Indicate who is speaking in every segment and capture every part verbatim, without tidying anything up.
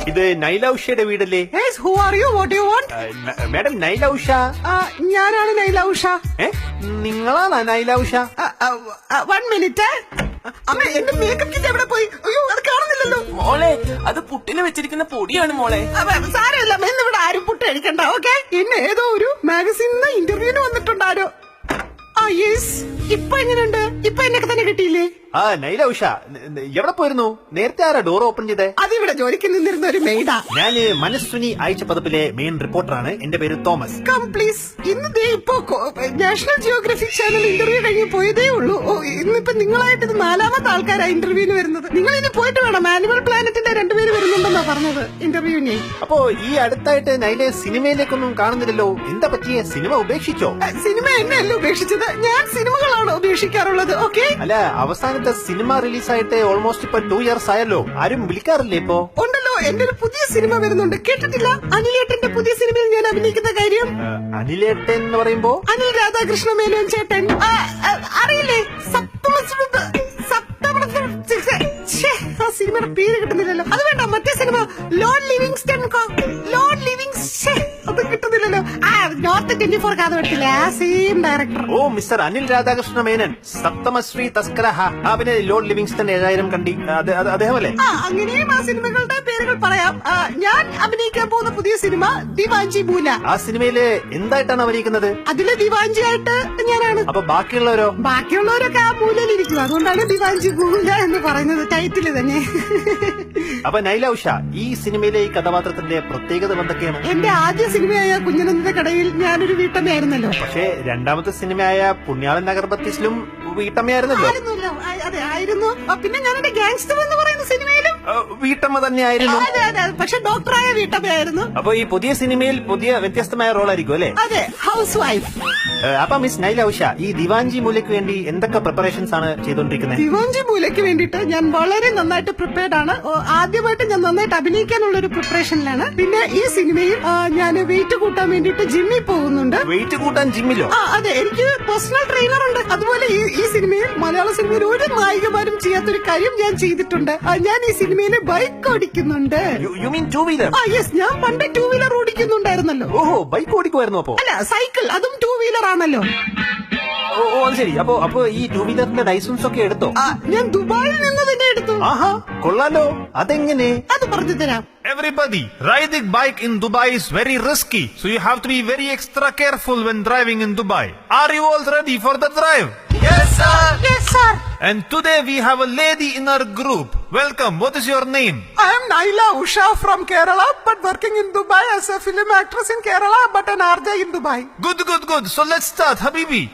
Speaker 1: ഇത് നൈല ഉഷയുടെ വീടല്ലേ?
Speaker 2: Yes, who are you? What do you want?
Speaker 1: Madam Naila Usha?
Speaker 2: ഞാനാണ് നൈല ഉഷ.
Speaker 1: ഏ നിങ്ങളാണ് നൈല ഉഷ?
Speaker 2: One minute. അമ്മ എന്റെ മേക്കപ്പ് കിറ്റ് എവിടെ പോയി? അയ്യോ അത് കാണുന്നില്ലല്ലോ.
Speaker 3: മോളെ അത് പുട്ടിന് വെച്ചിരിക്കുന്ന പൊടിയാണ് മോളെ.
Speaker 2: സാരമില്ല, ഇന്നിവിടെ ആരും പുട്ട് കഴിക്കണ്ട. ഓക്കെ, ഇന്ന് ഏതോ ഒരു മാഗസീനിന്ന് ഇന്റർവ്യൂവിന് വന്നിട്ടുണ്ടാരോ. ആ യെസ്. ഇപ്പൊ എങ്ങനെയുണ്ട്? ഇപ്പൊ എന്നൊക്കെ തന്നെ കിട്ടിയില്ലേ?
Speaker 1: ആ നൈല ഉഷ എവിടെ പോയിരുന്നു? നേരത്തെ ആരാ ഡോർ ഓപ്പൺ ചെയ്തേ?
Speaker 2: അതിവിടെ ജോലിക്ക് നിന്നിരുന്ന ഒരു മെയ്ഡാ.
Speaker 1: ഞാന് മനസ്സുനി ആഴ്ച പതിപ്പിലെ മെയിൻ റിപ്പോർട്ടറാണ്. എന്റെ പേര് തോമസ്.
Speaker 2: Come please. ഇന്ന് ദേ ഇപ്പോ നാഷണൽ ജിയോഗ്രഫിക് ചാനൽ ഇന്റർവ്യൂ കഴിഞ്ഞ് പോയതേ ഉള്ളൂ. ഇന്നിപ്പോ നിങ്ങളായിട്ട് ഇത് നാലാമത്തെ ആൾക്കാരാ ഇന്റർവ്യൂവിന് വരുന്നത്. നിങ്ങൾ ഇനി പോയിട്ട് വേണം. ആനിമൽ പ്ലാനറ്റിന്റെ രണ്ടുപേര് വരുന്നുണ്ടെന്നാ പറഞ്ഞത് ഇന്റർവ്യൂവിന്.
Speaker 1: അപ്പോ ഈ അടുത്തായിട്ട് നൈലെ സിനിമയിലേക്കൊന്നും കാണുന്നില്ലല്ലോ. എന്താ പറ്റിയ? സിനിമ ഉപേക്ഷിച്ചോ?
Speaker 2: സിനിമ എന്നെയല്ല ഉപേക്ഷിച്ചത്, ഞാൻ സിനിമകളാണ് ഉപേക്ഷിക്കാറുള്ളത്. ഓക്കെ.
Speaker 1: അല്ല, അവസാനത്തെ സിനിമ റിലീസായിട്ട് ഓൾമോസ്റ്റ് ഇപ്പൊ ടു ഇയേഴ്സ് ആയല്ലോ. ആരും വിളിക്കാറില്ലേ ഇപ്പോ?
Speaker 2: ഉണ്ടല്ലോ, എന്റെ ഒരു പുതിയ സിനിമ വരുന്നുണ്ട്. കേട്ടിട്ടില്ല? അനിലേട്ടന്റെ പുതിയ സിനിമയിൽ ഞാൻ അഭിനയിക്കുന്ന കാര്യം.
Speaker 1: അനിലേട്ടൻ എന്ന് പറയുമ്പോ?
Speaker 2: അനിൽ രാധാകൃഷ്ണ മേനോൻ ചേട്ടൻ. അറിയില്ലേ? ആ സിനിമയുടെ പേര് കിട്ടുന്നില്ലല്ലോ. അത് വേണ്ട, മറ്റേ cinema Lord Livingstone. Lord Livingstone അത് കിട്ടുന്നില്ലല്ലോ. ആ നോർത്ത് ട്വന്റി ഫോർ കാത് പറ്റില്ല. ആ സെയിം ഡയറക്ടർ.
Speaker 1: ഓ മിസ്റ്റർ അനിൽ രാധാകൃഷ്ണ മേനൻ, സപ്തമശ്രീ തസ്കരഹ. ആ പിന്നെ ലോർഡ് ലിവിങ്സ്റ്റൺ ഏഴായിരം കണ്ടി, അദ്ദേഹമല്ലേ?
Speaker 2: ആ അങ്ങനെയും ആ സിനിമകളുടെ പേരുകൾ പറയാം. ഞാൻ അഭിനയിക്കാൻ പോകുന്ന പുതിയ സിനിമ ദിവാഞ്ചി മൂല.
Speaker 1: ആ സിനിമയില് എന്തായിട്ടാണ് അഭിനയിക്കുന്നത്?
Speaker 2: അതില് ദിവാഞ്ചി ആയിട്ട് ഞാനാണ്.
Speaker 1: അപ്പൊ ബാക്കിയുള്ളവരോ?
Speaker 2: ബാക്കിയുള്ളവരൊക്കെ ആ മൂലയിലിരിക്കും. അതുകൊണ്ടാണ് ദിവാഞ്ചി മൂല എന്ന് പറയുന്നത് ടൈറ്റില് തന്നെ.
Speaker 1: അപ്പൊ നൈല ഉഷ, ഈ സിനിമയിലെ ഈ കഥാപാത്രത്തിന്റെ പ്രത്യേകത എന്തൊക്കെയാണ്?
Speaker 2: എന്റെ ആദ്യ സിനിമയായ കുഞ്ഞനന്ദന്റെ കടയിൽ ഞാനൊരു വീട്ടമ്മയായിരുന്നല്ലോ.
Speaker 1: പക്ഷേ രണ്ടാമത്തെ സിനിമയായ പുണ്യാളൻ നഗർ ബത്തീസിലും വീട്ടമ്മയായിരുന്നല്ലോ.
Speaker 2: അതെ ആയിരുന്നു. പിന്നെ ഞാൻ എന്റെ ഗാങ്സ്റ്റർ എന്ന് പറയുന്ന സിനിമയിലും
Speaker 1: വീട്ടമ്മ തന്നെയായിരുന്നു.
Speaker 2: അതെ അതെ, പക്ഷെ ഡോക്ടറായ വീട്ടമ്മയായിരുന്നു.
Speaker 1: അപ്പൊ ഈ പുതിയ സിനിമയിൽ പുതിയ വ്യത്യസ്തമായ റോളായിരിക്കും അല്ലെ?
Speaker 2: അതെ, ഹൗസ് വൈഫ്.
Speaker 1: അപ്പൊ മിസ് നൈല ഉഷ, ഈ ദിവാഞ്ചി മൂലയ്ക്ക് വേണ്ടി എന്തൊക്കെ പ്രിപ്പറേഷൻസ് ആണ് ചെയ്തോണ്ടിരിക്കുന്നത്?
Speaker 2: ദിവാഞ്ചി മൂലയ്ക്ക് വേണ്ടിയിട്ട് ഞാൻ വളരെ നന്നായിട്ട് പ്രിപ്പയർഡ് ആണ്. ആദ്യമായിട്ട് ഞാൻ നന്നായിട്ട് അഭിനയിക്കാനുള്ള ഒരു പ്രിപ്പറേഷനിലാണ്. പിന്നെ ഈ സിനിമയിൽ ഞാൻ വെയിറ്റ് കൂട്ടാൻ വേണ്ടിയിട്ട് ജിമ്മിൽ പോകുന്നുണ്ട്.
Speaker 1: വെയിറ്റ് കൂട്ടാൻ ജിമ്മിലോ? ആ
Speaker 2: അതെ, എനിക്ക് പേഴ്സണൽ ട്രെയിനർ ഉണ്ട്. അതുപോലെ ഈ സിനിമയിൽ, മലയാള സിനിമയിൽ ഒരു നായികമാരും ചെയ്യാത്തൊരു കാര്യം ഞാൻ ചെയ്തിട്ടുണ്ട്. ഞാൻ ഈ സിനിമയിൽ ബൈക്ക് ഓടിക്കുന്നുണ്ട്.
Speaker 1: You mean two wheeler?
Speaker 2: ആ യെസ്, ഞാൻ പണ്ട് ടൂ വീലർ ഓടിക്കുന്നുണ്ടായിരുന്നല്ലോ.
Speaker 1: ഓഹോ, ബൈക്ക് ഓടിക്കുമായിരുന്നു അപ്പോ?
Speaker 2: അല്ല, സൈക്കിൾ, അതും ടൂ വീലർ ആണല്ലോ.
Speaker 1: ഓ അത് ശരി. അപ്പൊ അപ്പൊ ഈ ടൂ വീലറിന്റെ ലൈസൻസ് ഒക്കെ എടുത്തോ?
Speaker 2: ഞാൻ ദുബായിൽ നിന്ന് തന്നെ എടുത്തു.
Speaker 1: ആഹാ, കൊള്ളാലോ. അതെങ്ങനെ?
Speaker 2: അത് പറഞ്ഞു തരാം.
Speaker 4: Everybody, riding bike in Dubai is very risky, so you have to be very extra careful when driving in Dubai. Are you all ready for the drive?
Speaker 3: Yes sir.
Speaker 2: Yes sir.
Speaker 4: And today we have a lady in our group. Welcome. What is your name?
Speaker 2: I am Naila Usha from Kerala, but working in Dubai as a film actress in Kerala, but an R J in Dubai.
Speaker 4: Good, good, good. So let's start, Habibi.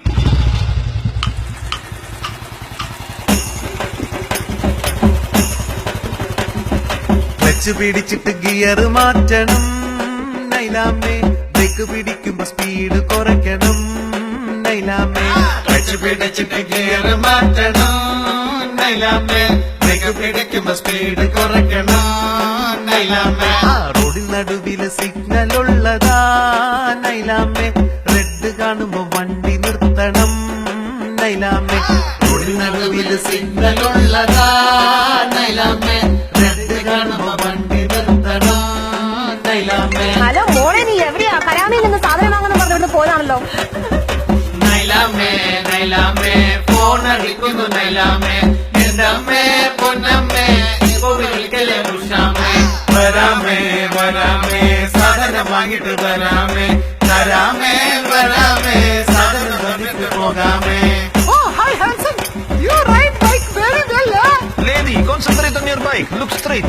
Speaker 5: Clutch പിടിച്ചിട്ട് gear മാറ്റണം നൈലാമേ, break പിടിക്കുമ്പോ speed കുറയ്ക്കണം നൈലാമേ. Clutch പിടിച്ചിട്ട് gear മാറ്റണം നൈലാമേ, break പിടിക്കുമ്പോ speed കുറയ്ക്കണം നൈലാമേ. ആ റോഡിൻ നടുവില് signal ഉള്ളതാ നൈലാമേ, റെഡ് കാണുമ്പോ വണ്ടി നിർത്തണം നൈലാമേ. റോഡിൻ നടുവില് സിഗ്നൽ ഉള്ളതാ നൈലാമേ, റെഡ് കാണുമ്പോ വണ്ടി നിർത്തണം നൈലാമേ.
Speaker 6: ഹലോ മോളെ, നീ എവിടെയാ? കരാമയിൽ നിന്ന് സാധനം വാങ്ങുന്ന പറഞ്ഞോണ്ട് പോയതാണല്ലോ.
Speaker 5: നൈലാമേ നൈലാമേ, ഫോൺ അടിക്കുന്നു നൈലാമേ, എന്റെ അമ്മേ പൊന്നമ്മേ വിളിക്കലേ ഉഷാമേ. വരാമേ വരാമേ, സാധനം വാങ്ങിട്ട് വരാമേ, തരാമേ വരാമേ, സാധനം വന്നിട്ട് പോകാമേ.
Speaker 2: Oh, hi handsome. You ride bike very well, huh?
Speaker 4: Lady, concentrate on your bike. Look straight.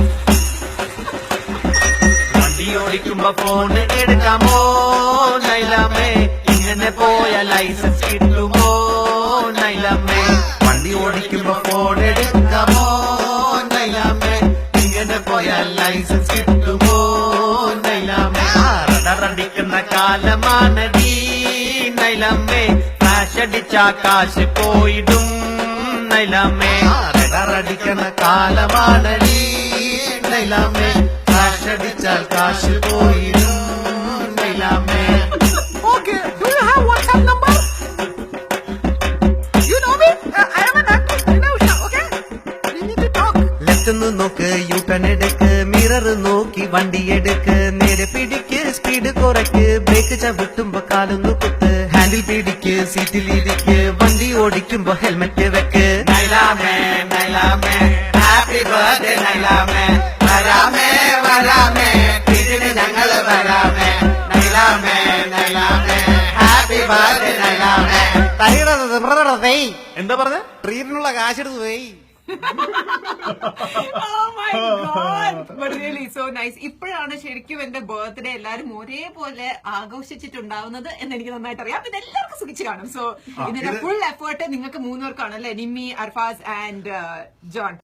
Speaker 5: വണ്ടി ഓടിക്കുമ്പോ ഫോൺ എടുക്കാമോ നൈലാമേ, ഇങ്ങനെ പോയ ലൈസൻസ് കിട്ടുമോ നൈലാമേ. വണ്ടി ഓടിക്കുമ്പോ ഫോൺ എടുക്കാമോ നൈലാമേ, ഇങ്ങനെ പോയ ലൈസൻസ് കിട്ടുമോ നൈലാമേ. റഡറടിക്കുന്ന കാലമാണടി നൈലാമേ, ഫ്ലാഷ് അടിച്ചാ കാശ് പോയിടും നൈലാമേ. റഡറടിക്കുന്ന കാലമാണടി നൈലാമേ, ഫ്ലാഷ് അടിച്ചാൽ കാശ് പോയിടും നൈലാമേ.
Speaker 2: Okay, do you have WhatsApp number? You know me? Uh, I am an actress, Naila Usha, okay? We need to talk.
Speaker 5: Left നോക്ക്, യു ടേൺ എടുക്ക്, മിറ മിറർ നോക്കി വണ്ടി എടുക്ക്, നേരെ പിടിക്ക്, സ്പീഡ് കുറയ്ക്ക്, ബ്രേക്ക് ചവിട്ടുമ്പോ കാലൊന്നു കുത്ത്, ഹാൻഡിൽ പിടിക്ക്, സീറ്റിലിരിക്ക്, വണ്ടി ഓടിക്കുമ്പോ ഹെൽമെറ്റ് വെക്ക്. നൈലാമേ നൈലാമേ ഹാപ്പി ബർത്ത്ഡേ നൈലാമേ, വരാമേ വരാമേ ഇതിന് ഞങ്ങള് വരാമേ, നൈലാമേ നൈലാമേ ഹാപ്പി ബർത്ത്ഡേ നൈലാമേ.
Speaker 1: എന്താ പറഞ്ഞ?
Speaker 2: ട്രീറ്റിനുള്ള കാശെടുത്ത് പോയി.
Speaker 7: Oh my God. But really so nice. ഇപ്പോഴാണ് ശരിക്കും എന്റെ ബർത്ത്ഡേ എല്ലാരും ഒരേപോലെ ആഘോഷിച്ചിട്ടുണ്ടാവുന്നത് എന്ന് എനിക്ക് നന്നായിട്ട് അറിയാം. ഇത് എല്ലാവർക്കും സുഖിച്ച് കാണും. സോ ഇതിന്റെ ഫുൾ എഫേർട്ട് നിങ്ങൾക്ക് മൂന്നുപേർക്കാണ് അല്ലെ, നിമ്മി, അർഫാസ് ആൻഡ് ജോൺ.